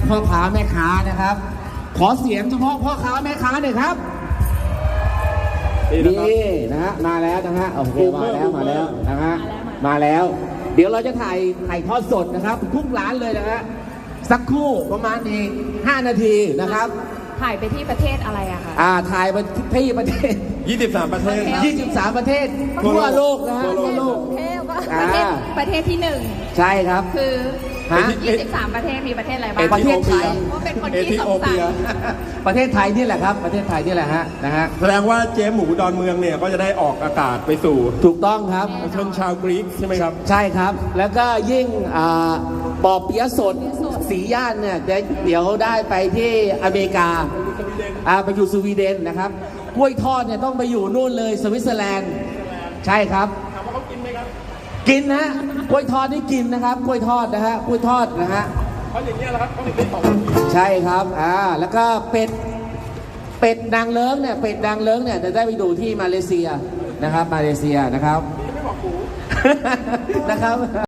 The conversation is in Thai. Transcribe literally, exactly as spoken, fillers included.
พ่อค้าแม่ค้านะครับขอเสียงเฉพาะพ่อค้าแม่ค้าหน่อยครับนี่นะฮะมาแล้วนะฮะโอเคมาแล้วมาแล้วนะฮะมาแล้ว เดี๋ยวเราจะถ่ายถ่ายทอดสดนะครับทุกร้านเลยนะฮะสักครู่ประมาณอีกห้านาทีนะครับถ่ายไปที่ประเทศอะไรอะคะอ่าถ่ายไปที่ประเทศยี่สิบสามประเทศยี่สิบสามประเทศทั่วโลกนะฮะทั่วโลกประเทศประเทศที่หนึ่งใช่ครับคือฮะยี่สิบสามประเทศมีประเทศอะไรบ้างประเทศไทยเพราะเป็นคนที่สงสัยประเทศไทยนี่แหละครับประเทศไทยนี่แหละฮะนะฮะแสดงว่าเจ๊หมูดอนเมืองเนี่ยก็จะได้ออกอากาศไปสู่ถูกต้องครับชนชาวกรีกใช่ไหมครับใช่ครับแล้วก็ยิ่งปอเปี๊ยะสดสีย่านเนี่ยเดี๋ยวได้ไปที่อเมริกาไปอยู่สวีเดนนะครับกล้วยทอดเนี่ยต้องไปอยู่นู่นเลยสวิตเซอร์แลนด์ใช่ครับถามว่าเขากินไหมครับกินนะกล้วยทอดนี่กินนะครับกล้วยทอดนะฮะกล้วยทอดนะฮะเขาอย่างเงี้ยแหละครับเขาถึงได้ตอบใช่ครับอ่าแล้วก็เป็ดเป็ดนางเลิ้งเนี่ยเป็ดนางเลิ้งเนี่ยจะได้ไปดูที่มาเลเซียนะครับมาเลเซียนะครับไม่บอกกูนะครับ